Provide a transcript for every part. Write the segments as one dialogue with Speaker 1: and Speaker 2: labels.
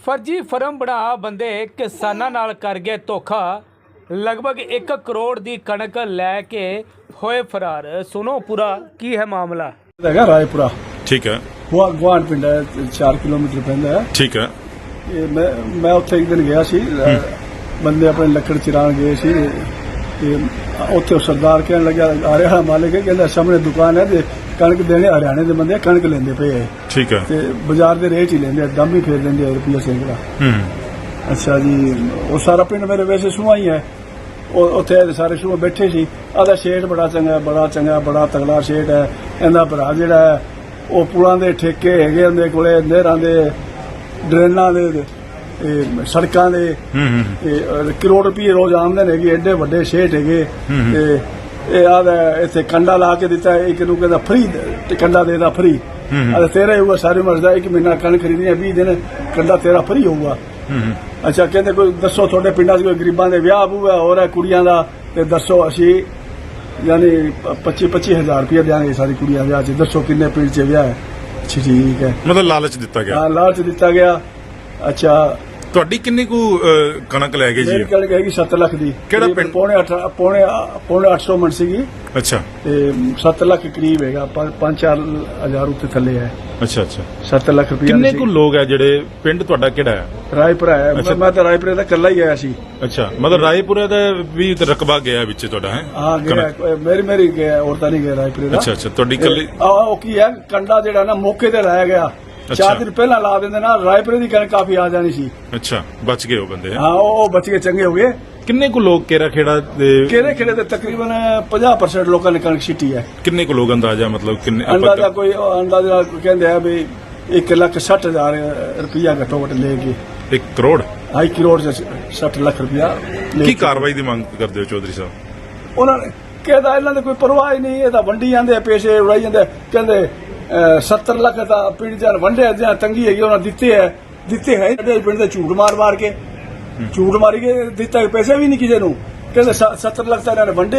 Speaker 1: फर्जी फर्म बना बंदे किसानां नाल कर गए धोखा। लगभग 1 करोड़ की कणक लैके होए फरार। सुनो पूरा की है मामला।
Speaker 2: रायपुरा
Speaker 3: ठीक है।
Speaker 2: वो गुआंढ पिंड है, 4 किलोमीटर पैंदा है।
Speaker 3: ठीक है।
Speaker 2: मैं उत्थे एक दिन गया सी, बंदे अपने लकड़ चिरान गए सी ते उत्थे सरदार कहने लगा आ रहा मालिक है, कहंदा सामने दुकान है ते कणक देने हरियाणे दे बंदे कणक लेंदे पे है।
Speaker 3: ठीक है।
Speaker 2: ते बाजार दे रेट ही लेंदे, दम ही फेर देंदे रुपया सैकड़ा। अच्छा जी, वो सारा पिंड मेरे वैसे सूहा ही है, उत्थे सारे सूह बैठे सी। आदा शेठ बड़ा चंगा बड़ा तगड़ा शेठ है। इहदा भरा जिहड़ा है वो पुलां दे ठेके हैगे उहदे कोले, नहरां दे, ड्रेनां दे, सड़कां दे करोड़ रुपये रोज आमदन हैगी। एडे वड्डे शेठ हैगे। आदा इत्थे कंडा ला के दिता, एक नूं कहंदा फ्री कंडा देदा फ्री। आदा तेरा ही होगा सारी उमर दा, 1 महीना कणक खरीदनी है, 20 दिन कंडा तेरा फ्री होगा। अच्छा, कहते कोई दसो थोड़े पिंडा कोई गरीबां दे विआह बूआ हो रहा कुड़ियां दा, ते दसो असी यानी 25-25 हजार रुपया देंगे सारी कुड़ियां विआह च, दसो किन्ने पिंड च विआह है। ठीक है, मतलब
Speaker 3: लालच दिता गया।
Speaker 2: हाँ, लालच दिता गया। अच्छा,
Speaker 3: ਤੁਹਾਡੀ ਕਿੰਨੀ ਕੁ ਕਣਕ ਲੈ ਗਏ ਜੀ?
Speaker 2: ਮੇਰੀ ਕਣਕ ਹੈਗੀ 7 ਲੱਖ ਦੀ।
Speaker 3: ਕਿਹੜਾ ਪਿੰਡ?
Speaker 2: ਪੌਣੇ 800 ਮਣ ਸੀਗੀ।
Speaker 3: ਅੱਛਾ। ਤੇ
Speaker 2: 7 ਲੱਖ ਕਰੀਬ ਹੈਗਾ, 5-4 ਹਜ਼ਾਰ ਉੱਤੇ ਥੱਲੇ ਹੈ।
Speaker 3: ਅੱਛਾ।
Speaker 2: 7 ਲੱਖ ਰੁਪਏ।
Speaker 3: ਕਿੰਨੇ ਕੁ ਲੋਕ ਹੈ ਜਿਹੜੇ ਪਿੰਡ ਤੁਹਾਡਾ ਕਿਹੜਾ ਹੈ?
Speaker 2: ਰਾਏਪੁਰਾ ਹੈ। ਮੈਂ ਤਾਂ ਰਾਏਪੁਰੇ ਦਾ ਇਕੱਲਾ ਹੀ ਆਇਆ ਸੀ।
Speaker 3: ਅੱਛਾ, ਮਤਲਬ ਰਾਏਪੁਰੇ ਦਾ ਵੀ ਰਕਬਾ ਗਿਆ ਵਿੱਚ ਤੁਹਾਡਾ ਹੈ?
Speaker 2: ਹਾਂ ਗਿਆ, ਮੇਰੀ ਗਿਆ, ਹੋਰ ਤਾਂ ਨਹੀਂ ਗਿਆ ਰਾਏਪੁਰੇ ਦਾ।
Speaker 3: ਅੱਛਾ, ਤੁਹਾਡੀ ਇਕੱਲੀ।
Speaker 2: ਉਹ ਕੀ ਹੈ, ਕੰਡਾ ਜਿਹੜਾ ਨਾ ਮੌਕੇ ਤੇ ਲਾਇਆ ਗਿਆ। 4 ਦਿਨ ਪਹਿਲਾਂ ਲਾ ਦਿੰਦੇ ਨਾ, ਰਾਏਪੁਰੇ ਦੀ ਕਣਕ ਕਾਫੀ ਆ ਜਾਣੀ ਸੀ।
Speaker 3: ਅੱਛਾ, ਬਚ ਗਏ ਉਹ ਬੰਦੇ।
Speaker 2: ਹਾਂ, ਉਹ ਬਚ ਗਏ, ਚੰਗੇ ਹੋ ਗਏ।
Speaker 3: ਕਿੰਨੇ ਕੁ ਲੋਕ ਕੇਰਾ ਖੇੜਾ ਦੇ?
Speaker 2: ਕੇਰੇ ਖੇੜੇ ਦੇ ਤਕਰੀਬਨ 50% ਲੋਕਾਂ ਨੇ ਕਣਕ ਛਿੱਟੀ ਹੈ।
Speaker 3: ਕਿੰਨੇ ਕੁ ਲੋਕ ਅੰਦਾਜ਼ਾ, ਮਤਲਬ ਕਿੰਨੇ
Speaker 2: ਅੰਦਾਜ਼ਾ ਕੋਈ ਅੰਦਾਜ਼ਾ ਕਹਿੰਦੇ ਆ ਵੀ 1,60,000 ਰੁਪਇਆ ਘੱਟੋ ਘੱਟ ਲੈ ਕੇ।
Speaker 3: 1 ਕਰੋੜ?
Speaker 2: 2 ਕਰੋੜ 60 ਲੱਖ ਰੁਪਇਆ।
Speaker 3: ਕੀ ਕਾਰਵਾਈ ਦੀ ਮੰਗ ਕਰਦੇ ਹੋ ਚੌਧਰੀ ਸਾਹਿਬ?
Speaker 2: ਉਹਨਾਂ ਨੇ ਕਹਿੰਦਾ ਇਹਨਾਂ ਦੇ ਕੋਈ ਪਰਵਾਹ ਹੀ ਨਹੀਂ, ਇਹ ਤਾਂ ਵੰਡੀ ਜਾਂਦੇ, ਪੈਸੇ ਉਡਾਈ ਜਾਂਦੇ। ਕਹਿੰਦੇ 70 ਲੱਖ ਤਾਂ ਪਿੰਡ ਚ ਵੰਡੇ, ਜਾਂ ਤੰਗੀ ਹੈਗੀ ਉਹਨਾਂ ਦਿੱਤੇ ਹੈ ਪਿੰਡ ਦੇ ਝੂਠ ਮਾਰ ਕੇ ਝੂਠ ਮਾਰੀ ਕੇ ਦਿੱਤਾ, ਪੈਸੇ ਵੀ ਨਹੀਂ ਕਿਸੇ ਨੂੰ। ਕਹਿੰਦੇ 70 ਲੱਖ ਤਾਂ ਇਹਨਾਂ ਨੇ ਵੰਡੇ,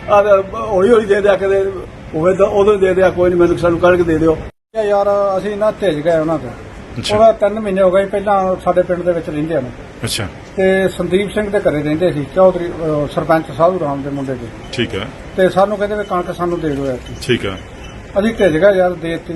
Speaker 2: ਹੌਲੀ ਦੇ ਦਿਆ, ਕਦੇ ਹੋਵੇ ਤਾਂ ਉਦੋਂ ਦੇ ਦਿਆ, ਕੋਈ ਨਹੀਂ, ਮੈਨੂੰ ਸਾਨੂੰ ਕਣਕ ਦੇ ਦਿਓ। ਯਾਰ ਅਸੀਂ ਨਾ ਭੇਜ ਗਏ ਉਹਨਾਂ ਤੋਂ। ਉਹਦਾ 3 ਮਹੀਨੇ ਹੋ ਗਏ ਪਹਿਲਾਂ ਸਾਡੇ ਪਿੰਡ ਦੇ ਵਿੱਚ ਰਹਿੰਦੇ ਹਨ।
Speaker 3: ਅੱਛਾ।
Speaker 2: ਤੇ ਸੰਦੀਪ ਸਿੰਘ ਦੇ ਘਰੇ ਰਹਿੰਦੇ ਸੀ, ਚੌਧਰੀ ਸਰਪੰਚ ਸਾਧੂ ਰਾਮ ਦੇ ਮੁੰਡੇ ਦੇ।
Speaker 3: ਠੀਕ ਹੈ।
Speaker 2: ਤੇ ਸਾਨੂੰ ਕਹਿੰਦੇ ਵੀ ਕਣਕ ਸਾਨੂੰ ਦੇ ਦਿਓ।
Speaker 3: ਠੀਕ ਹੈ।
Speaker 2: ਅਸੀਂ ਭੇਜ ਗਏ ਯਾਰ, ਦੇ ਦਿੱਤੀ।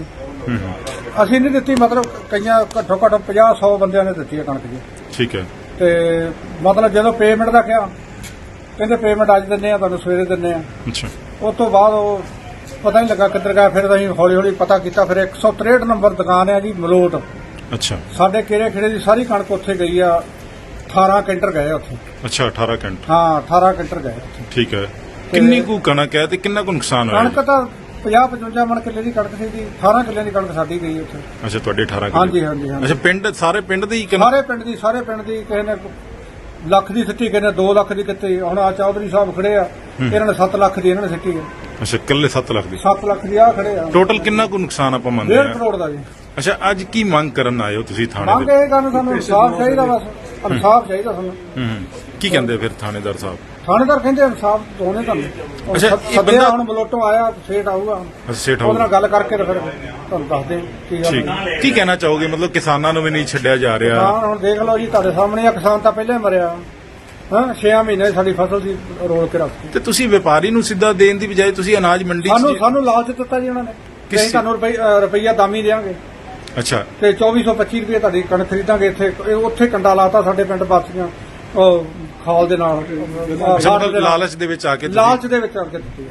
Speaker 2: ਅਸੀਂ ਨਹੀਂ ਦਿੱਤੀ, ਮਤਲਬ ਕਈਆਂ ਘੱਟੋ ਘੱਟ 50-100 ਬੰਦਿਆਂ ਨੇ ਦਿੱਤੀ ਹੈ ਕਣਕ ਜੀ। ਠੀਕ ਹੈ। ਤੇ ਮਤਲਬ ਜਦੋਂ ਪੇਮੈਂਟ ਦਾ ਕਿਹਾ, ਕਹਿੰਦੇ ਪੇਮੈਂਟ ਅੱਜ ਦਿੰਦੇ ਆ, ਤੁਹਾਨੂੰ ਸਵੇਰੇ ਦਿੰਦੇ ਆ। ਅੱਛਾ। ਉਸ ਤੋਂ ਬਾਅਦ ਉਹ ਪਤਾ ਨਹੀਂ ਲੱਗਾ ਕਿੱਧਰ ਗਿਆ। ਫਿਰ ਅਸੀਂ ਹੌਲੀ ਪਤਾ ਕੀਤਾ, ਫਿਰ 163 ਨੰਬਰ ਦੁਕਾਨ ਹੈ ਜੀ, ਮਲੋਟ। ਅੱਛਾ। ਸਾਡੇ ਕੇਰੇ ਖੇੜੇ ਦੀ ਸਾਰੀ ਕਣਕ ਉੱਥੇ ਗਈ ਆ। 18 ਕੈਂਟਰ ਗਏ ਉੱਥੇ। ਅੱਛਾ, 18 ਕੈਂਟਰ? ਹਾਂ, 18 ਕੈਂਟਰ ਗਏ ਉੱਥੇ। ਠੀਕ ਹੈ। ਕਿੰਨੀ ਕੁ ਕਣਕ ਹੈ ਤੇ ਕਿੰਨਾ ਕੁ ਨੁਕਸਾਨ ਹੋਇਆ? ਕਣਕ ਤਾਂ 50-55 ਮਣ ਕਿੱਲੇ ਦੀ ਕਣਕ ਸੀ ਜੀ। 18 ਕਿੱਲਿਆਂ ਦੀ ਕਣਕ ਸਾਡੀ ਗਈ ਉੱਥੇ। ਅੱਛਾ, ਤੁਹਾਡੇ 18 ਕਿੱਲੇ? ਹਾਂਜੀ। ਅੱਛਾ, ਪਿੰਡ ਸਾਰੇ ਪਿੰਡ ਦੀ? ਸਾਰੇ ਪਿੰਡ ਦੀ ਕਿਸੇ ਨੇ ਲੱਖ ਦੀ ਸਿੱਟੀ, ਕਿਸੇ ਨੇ 2 ਲੱਖ ਦੀ ਕੀਤੀ। ਹੁਣ ਆ ਚੌਧਰੀ ਸਾਹਿਬ ਖੜੇ ਆ, ਇਹਨਾਂ ਨੇ 7 ਲੱਖ ਦੀ ਇਹਨਾਂ ਨੇ ਸਿੱਟੀ ਹੈ। ਅੱਛਾ, ਇਕੱਲੇ 7 ਲੱਖ ਦੀ? 7 ਲੱਖ ਦੀ ਆ ਖੜੇ ਆ। ਟੋਟਲ ਕਿੰਨਾ ਕੁ ਨੁਕਸਾਨ ਆਪਾਂ ਮੰਨਦੇ ਆ? 1.5 ਕਰੋੜ ਦਾ ਜੀ। ਅੱਛਾ, ਅੱਜ ਕੀ ਮੰਗ ਕਰਨ ਆਏ ਹੋ ਤੁਸੀਂ ਥਾਣੇ? ਮੰਗ ਇਹ ਕਰਨ, ਸਾਨੂੰ ਇਨਸਾਫ ਚਾਹੀਦਾ, ਬਸ ਇਨਸਾਫ ਚਾਹੀਦਾ ਸਾਨੂੰ। ਕੀ ਕਹਿੰਦੇ ਫਿਰ ਥਾਣੇਦਾਰ ਸਾਹਿਬ? ਥਾਣੇਦਾਰ ਕਹਿੰਦੇ ਇਨਸਾਫ ਦੋਨੇ ਤੁਹਾਨੂੰ। ਅੱਛਾ, ਸੱਦਿਆ ਹੁਣ ਬਲੋਟੋਂ ਆਇਆ, ਸੇਠ ਆਊਗਾ। ਸੇਠ ਆਊਗਾ, ਉਹਦੇ ਨਾਲ ਗੱਲ ਕਰਕੇ ਫਿਰ ਤੁਹਾਨੂੰ ਦੱਸਦੇ ਕੀ ਗੱਲ। ਕੀ ਕਹਿਣਾ ਚਾਹੋਗੇ, ਮਤਲਬ ਕਿਸਾਨਾਂ ਨੂੰ ਵੀ ਨਹੀਂ ਛੱਡਿਆ ਜਾ ਰਿਹਾ? ਹਾਂ, ਹੁਣ ਦੇਖ ਲਓ ਜੀ, ਤੁਹਾਡੇ ਸਾਹਮਣੇ ਆ, ਕਿਸਾਨ ਤਾਂ ਪਹਿਲਾਂ ਹੀ ਮਰਿਆ। ਹਾਂ, 6 ਮਹੀਨੇ ਸਾਡੀ ਫਸਲ ਦੀ ਰੋਲ ਕੇ ਰੱਖੀ। ਤੇ ਤੁਸੀਂ ਵਪਾਰੀ ਨੂੰ ਸਿੱਧਾ ਦੇਣ ਦੀ ਬਜਾਏ ਤੁਸੀਂ ਅਨਾਜ ਮੰਡੀ ਸਾਨੂੰ ਲਾਲਚ ਦਿੱਤਾ ਜੀ ਉਹਨਾਂ ਨੇ ਕਿ ਅਸੀਂ ਤੁਹਾਨੂੰ ਰੁਪਈਆ ਦਾਮੀ ਦੇਵਾਂਗੇ। ਅੱਛਾ। ਤੇ 2425 ਰੁਪਏ ਤੁਹਾਡੀ ਕਣਕ ਖਰੀਦਾਂਗੇ। ਇੱਥੇ ਉੱਥੇ ਕੰਡਾ ਲਾਤਾ ਸਾਡੇ ਪਿੰਡ ਵਾਸੀਆਂ, ਉਹ ਖਾਲ ਦੇ ਨਾਲ। ਲਾਲਚ ਦੇ ਵਿੱਚ ਆ ਕੇ ਦਿੱਤੀ।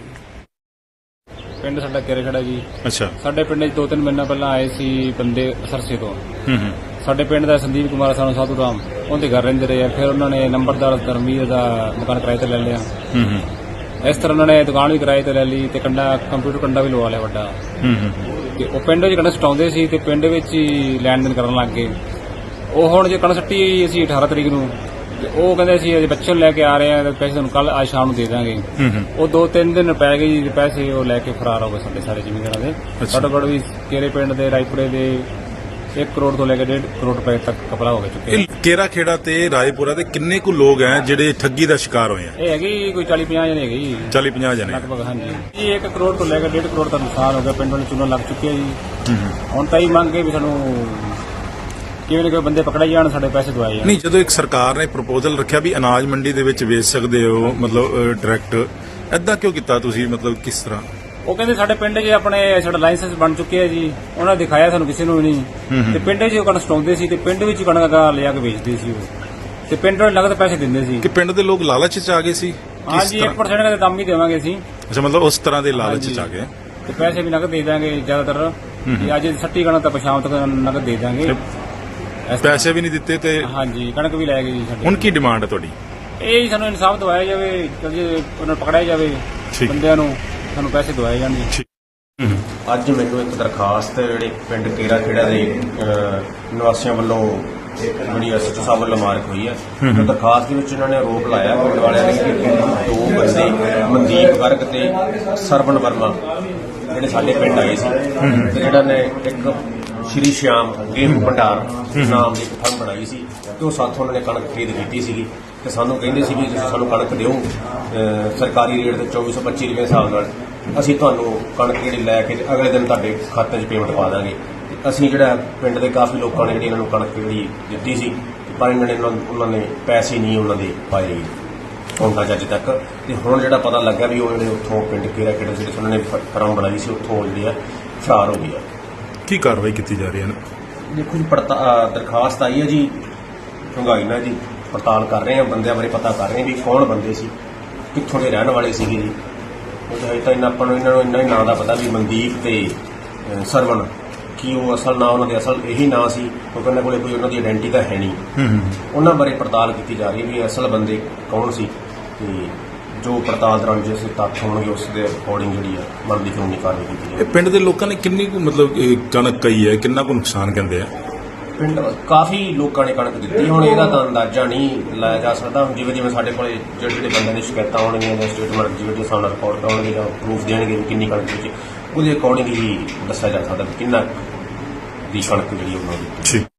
Speaker 4: ਪਿੰਡ ਸਾਡਾ ਕੇਰੇ ਖੜਾ ਜੀ। ਅੱਛਾ। ਸਾਡੇ ਪਿੰਡ 'ਚ 2-3 ਮਹੀਨਾ ਪਹਿਲਾਂ ਆਏ ਸੀ ਬੰਦੇ ਸਰਸੇ ਤੋਂ। ਸਾਡੇ ਪਿੰਡ ਦਾ ਸੰਦੀਪ ਕੁਮਾਰ ਸਾਨੂੰ ਸਾਧੂ ਰਾਮ, ਉਹਦੇ ਘਰ ਰਹਿੰਦੇ ਰਹੇ। ਫਿਰ ਉਹਨਾਂ ਨੇ ਨੰਬਰਦਾਰ ਧਰਮਵੀਰ ਦਾ ਮਕਾਨ ਕਿਰਾਏ ਤੇ ਲੈ ਲਿਆ। ਇਸ ਤਰ੍ਹਾਂ ਉਹਨਾਂ ਨੇ ਦੁਕਾਨ ਵੀ ਕਿਰਾਏ ਤੇ ਲੈ ਲਈ ਤੇ ਕੰਪਿਊਟਰ ਕੰਡਾ ਵੀ ਲਵਾ ਲਿਆ ਵੱਡਾ। ਤੇ ਉਹ ਪਿੰਡ ਵਿੱਚ ਕਣਕ ਸਟਾਉਂਦੇ ਸੀ ਤੇ ਪਿੰਡ ਵਿੱਚ ਹੀ ਲੈਣ ਦੇਣ ਕਰਨ ਲੱਗ ਗਏ। ਉਹ ਹੁਣ ਜੇ ਕਣਕ ਸੱਟੀ ਅਸੀਂ 18 ਤਰੀਕ ਨੂੰ, ਉਹ ਕਹਿੰਦੇ ਅਸੀਂ ਅਜੇ ਬੱਚੇ ਨੂੰ ਲੈ ਕੇ ਆ ਰਹੇ ਆ, ਪੈਸੇ ਤੁਹਾਨੂੰ ਕੱਲ ਅੱਜ ਸ਼ਾਮ ਨੂੰ ਦੇ ਦਾਂਗੇ। ਉਹ 2-3 ਦਿਨ ਪੈ ਗਏ ਜੀ, ਪੈਸੇ ਉਹ ਲੈ ਕੇ ਫਰਾਰ ਹੋ ਗਏ ਸਾਰੇ ਜ਼ਿਮੀਂਦਾਰਾਂ ਦੇ। ਸਾਡੇ ਕੋਲ ਵੀ ਕੇਰੇ ਪਿੰਡ ਦੇ, ਰਾਏਪੁਰੇ ਦੇ 1 ਕਰੋੜ ਤੋਂ ਲੈ ਕੇ 1.5 ਕਰੋੜ ਰੁਪਏ ਤੱਕ ਕਪੜਾ ਹੋ ਚੁੱਕੇ।
Speaker 3: ਕੇਰਾ ਖੇੜਾ ਤੇ ਰਾਏਪੁਰਾ ਦੇ ਕਿੰਨੇ ਕੁ ਲੋਕ ਹੈ ਜਿਹੜੇ ਠੱਗੀ ਦਾ ਸ਼ਿਕਾਰ ਹੋਏ ਆ?
Speaker 4: ਇਹ ਹੈਗੀ ਕੋਈ 40-50 ਜਣੇ ਹੈਗੇ ਜੀ।
Speaker 3: 40-50 ਜਣੇ
Speaker 4: ਲਗਭਗ? ਹਾਂਜੀ। ਇਹ 1 ਕਰੋੜ ਤੋਂ ਲੈ ਕੇ 1.5 ਕਰੋੜ ਦਾ ਨੁਕਸਾਨ ਹੋ ਗਿਆ। ਪਿੰਡ ਵਾਲੇ ਚੂਨਾ ਲੱਗ ਚੁੱਕਿਆ ਜੀ। ਹੁਣ ਤਾਂ ਹੀ ਮੰਗ ਕੇ ਵੀ ਸਾਨੂੰ ਕਿਵੇਂ ਨਾ ਕਿਵੇਂ ਬੰਦੇ ਪਕੜੇ ਜਾਣ, ਸਾਡੇ ਪੈਸੇ ਦਵਾਏ ਜਾਣ।
Speaker 3: ਨਹੀਂ, ਜਦੋਂ ਇੱਕ ਸਰਕਾਰ ਨੇ ਪ੍ਰਪੋਜ਼ਲ ਰੱਖਿਆ ਵੀ ਅਨਾਜ ਮੰਡੀ ਦੇ ਵਿੱਚ ਵੇਚ ਸਕਦੇ ਹੋ, ਮਤਲਬ ਡਾਇਰੈਕਟ, ਐਦਾਂ ਕਿਉਂ ਕੀਤਾ ਤੁਸੀਂ? ਮਤਲਬ ਕਿਸ ਤਰ੍ਹਾਂ?
Speaker 4: ਉਹ ਕਹਿੰਦੇ ਸਾਡੇ ਪਿੰਡ 'ਚ ਆਪਣੇ ਸਾਡਾ ਲਾਇਸੈਂਸ ਬਣ ਚੁੱਕਿਆ ਜੀ, ਉਹਨਾਂ ਨੇ ਦਿਖਾਇਆ ਸਾਨੂੰ ਕਿਸੇ ਨੂੰ ਵੀ ਨਹੀਂ। ਤੇ ਪਿੰਡ 'ਚ ਉਹ ਕਣਕ ਸਟਾਉਂਦੇ ਸੀ ਤੇ ਪਿੰਡ ਵਿੱਚ ਹੀ ਕਣਕ ਲਿਆ ਕੇ ਵੇਚਦੇ ਸੀ ਉਹ, ਤੇ ਪਿੰਡ ਨੂੰ ਨਗਦ ਪੈਸੇ ਦਿੰਦੇ ਸੀ।
Speaker 3: ਕਿ ਪਿੰਡ ਦੇ ਲੋਕ ਲਾਲਚ 'ਚ ਆ ਗਏ ਸੀ?
Speaker 4: ਹਾਂਜੀ, 1% ਦਾ ਕੰਮ ਹੀ ਦੇਵਾਂਗੇ ਅਸੀਂ।
Speaker 3: ਅੱਛਾ, ਮਤਲਬ ਉਸ ਤਰ੍ਹਾਂ ਦੇ ਲਾਲਚ 'ਚ ਆ ਗਏ।
Speaker 4: ਤੇ ਪੈਸੇ ਵੀ ਨਗਦ ਦੇ ਦਾਂਗੇ ਜ਼ਿਆਦਾਤਰ, ਤੇ ਅੱਜ ਸੱਟੀ ਕਣਕ ਤਾਂ ਪਛਾਣ ਤੱਕ ਨਗਦ ਦੇ ਦਾਂਗੇ।
Speaker 3: ਪੈਸੇ ਵੀ ਨਹੀਂ ਦਿੱਤੇ ਤੇ
Speaker 4: ਹਾਂਜੀ, ਕਣਕ ਵੀ ਲੈ ਗਏ ਜੀ ਸਾਡੀ।
Speaker 3: ਹੁਣ ਕੀ ਡਿਮਾਂਡ ਹੈ ਤੁਹਾਡੀ?
Speaker 4: ਇਹ ਸਾਨੂੰ ਇਨਸਾਫ ਦਵਾਇਆ ਜਾਵੇ, ਜੇ ਉਹਨਾਂ ਨੂੰ ਪਕੜਿਆ ਜਾਵੇ
Speaker 3: ਠੀਕ।
Speaker 4: ਬੰਦਿਆਂ ਨੂੰ, ਸਾਨੂੰ ਪੈਸੇ ਦਵਾਏ ਜਾਣ ਜੀ।
Speaker 5: ਅੱਜ ਮੈਨੂੰ ਇੱਕ ਦਰਖਾਸਤ ਜਿਹੜੇ ਪਿੰਡ ਕੇਰਾ ਖੇੜਾ ਦੇ ਨਿਵਾਸੀਆਂ ਵੱਲੋਂ ਜਿਹੜੀ ਐਸਐਚਓ ਸਾਹਿਬ ਵੱਲੋਂ ਮਾਰਕ ਹੋਈ ਹੈ। ਤੇ ਦਰਖਾਸਤ ਦੇ ਵਿੱਚ ਇਹਨਾਂ ਨੇ ਆਰੋਪ ਲਾਇਆ ਪਿੰਡ ਵਾਲਿਆਂ ਨੇ ਕਿ ਦੋ ਬੰਦੇ ਮਨਦੀਪ ਗਰਗ ਤੇ ਸਰਵਣ ਵਰਮਾ ਜਿਹੜੇ ਸਾਡੇ ਪਿੰਡ ਆਏ ਸੀ, ਤੇ ਜਿਹੜਾ ਨੇ ਇੱਕ ਸ਼੍ਰੀ ਸ਼ਿਆਮ ਗੇਹੂ ਭੰਡਾਰ ਨਾਮ ਦੀ ਇੱਕ ਫਰਮ ਬਣਾਈ ਸੀ, ਤੇ ਉਹ ਸਾਥੋਂ ਉਹਨਾਂ ਨੇ ਕਣਕ ਖਰੀਦ ਕੀਤੀ ਸੀਗੀ। ਤੇ ਸਾਨੂੰ ਕਹਿੰਦੇ ਸੀ ਵੀ ਤੁਸੀਂ ਸਾਨੂੰ ਕਣਕ ਦਿਓ ਸਰਕਾਰੀ ਰੇਟ ਤੇ 2425 ਰੁਪਏ ਹਿਸਾਬ ਨਾਲ, ਅਸੀਂ ਤੁਹਾਨੂੰ ਕਣਕ ਜਿਹੜੀ ਲੈ ਕੇ ਅਗਲੇ ਦਿਨ ਤੁਹਾਡੇ ਖਾਤੇ 'ਚ ਪੇਮੈਂਟ ਪਾ ਦਾਂਗੇ। ਅਸੀਂ ਜਿਹੜਾ ਪਿੰਡ ਦੇ ਕਾਫੀ ਲੋਕਾਂ ਨੇ ਜਿਹੜੀ ਇਹਨਾਂ ਨੂੰ ਕਣਕ ਜਿਹੜੀ ਦਿੱਤੀ ਸੀ, ਪਰ ਇਹਨਾਂ ਨੇ ਉਹਨਾਂ ਨੇ ਪੈਸੇ ਨਹੀਂ ਉਹਨਾਂ ਦੇ ਪਾਏ ਅਕਾਊਂਟਾਂ 'ਚ ਅੱਜ ਤੱਕ। ਤੇ ਹੁਣ ਜਿਹੜਾ ਪਤਾ ਲੱਗਾ ਵੀ ਉਹ ਜਿਹੜੇ ਉੱਥੋਂ ਪਿੰਡ ਕੇਰਾ ਖੇੜਾ ਜਿਹੜੇ ਉਹਨਾਂ ਨੇ ਫਰਮ ਬਣਾਈ ਸੀ, ਉੱਥੋਂ ਜਿਹੜੀ ਆ ਫਰਾਰ ਹੋ ਗਈ ਆ।
Speaker 3: ਕੀ ਕਾਰਵਾਈ ਕੀਤੀ ਜਾ ਰਹੀ ਹੈ?
Speaker 5: ਦੇਖੋ ਜੀ, ਦਰਖਾਸਤ ਆਈ ਹੈ ਜੀ, ਢੁੰਗਾਈ ਨਾਲ ਜੀ ਪੜਤਾਲ ਕਰ ਰਹੇ ਹਾਂ, ਬੰਦਿਆਂ ਬਾਰੇ ਪਤਾ ਕਰ ਰਹੇ ਹਾਂ ਵੀ ਕੌਣ ਬੰਦੇ ਸੀ, ਕਿੱਥੋਂ ਦੇ ਰਹਿਣ ਵਾਲੇ ਸੀਗੇ ਜੀ। ਉਹ ਹਜੇ ਤਾਂ ਆਪਾਂ ਨੂੰ ਇਹਨਾਂ ਨੂੰ ਇੰਨਾ ਹੀ ਨਾਂ ਦਾ ਪਤਾ ਵੀ ਮਨਦੀਪ ਤੇ ਸਰਵਣ, ਕੀ ਉਹ ਅਸਲ ਨਾਂ ਉਹਨਾਂ ਦੇ ਅਸਲ ਇਹੀ ਨਾਂ ਸੀ, ਕਿਉਂਕਿ ਉਹਨਾਂ ਕੋਲੇ ਕੋਈ ਉਹਨਾਂ ਦੀ ਆਇਡੈਂਟੀ ਤਾਂ ਹੈ ਨਹੀਂ। ਉਹਨਾਂ ਬਾਰੇ ਪੜਤਾਲ ਕੀਤੀ ਜਾ ਰਹੀ ਵੀ ਅਸਲ ਬੰਦੇ ਕੌਣ ਸੀ, ਤੇ ਜੋ ਪੜਤਾਲ ਦੌਰਾਨ ਜਿਸ ਤੱਥ ਹੋਣਗੇ ਉਸ ਦੇ ਅਕੋਰਡਿੰਗ ਜਿਹੜੀ ਆ ਬਣਦੀ ਕਾਨੂੰਨੀ ਕਾਰਵਾਈ ਕੀਤੀ ਜਾਵੇਗੀ।
Speaker 3: ਇਹ ਪਿੰਡ ਦੇ ਲੋਕਾਂ ਨੇ ਕਿੰਨੀ ਕੁ ਮਤਲਬ ਕਣਕ ਕਹੀ ਹੈ, ਕਿੰਨਾ ਕੁ ਨੁਕਸਾਨ ਕਹਿੰਦੇ ਆ?
Speaker 5: ਪਿੰਡ ਕਾਫੀ ਲੋਕਾਂ ਨੇ ਕਣਕ ਦਿੱਤੀ, ਹੁਣ ਇਹਦਾ ਤਾਂ ਅੰਦਾਜ਼ਾ ਨਹੀਂ ਲਾਇਆ ਜਾ ਸਕਦਾ। ਹੁਣ ਜਿਵੇਂ ਜਿਵੇਂ ਸਾਡੇ ਕੋਲੇ ਜਿਹੜੇ ਬੰਦਿਆਂ ਦੀ ਸ਼ਿਕਾਇਤਾਂ ਆਉਣਗੀਆਂ ਜਾਂ ਸਟੇਟਮੈਂਟ ਜਿਹੜੇ ਸਾਨੂੰ ਰਿਪੋਰਟ ਆਉਣਗੇ ਜਾਂ ਪ੍ਰੂਫ ਦੇਣਗੇ ਵੀ ਕਿੰਨੀ ਕਣਕ ਵਿੱਚ, ਉਹਦੇ ਅਕੋਰਡਿੰਗ ਹੀ ਦੱਸਿਆ ਜਾ ਸਕਦਾ ਕਿ ਕਿੰਨਾ ਦੀ ਕਣਕ ਜਿਹੜੀ ਉਹਨਾਂ ਦੀ।
Speaker 3: ਠੀਕ।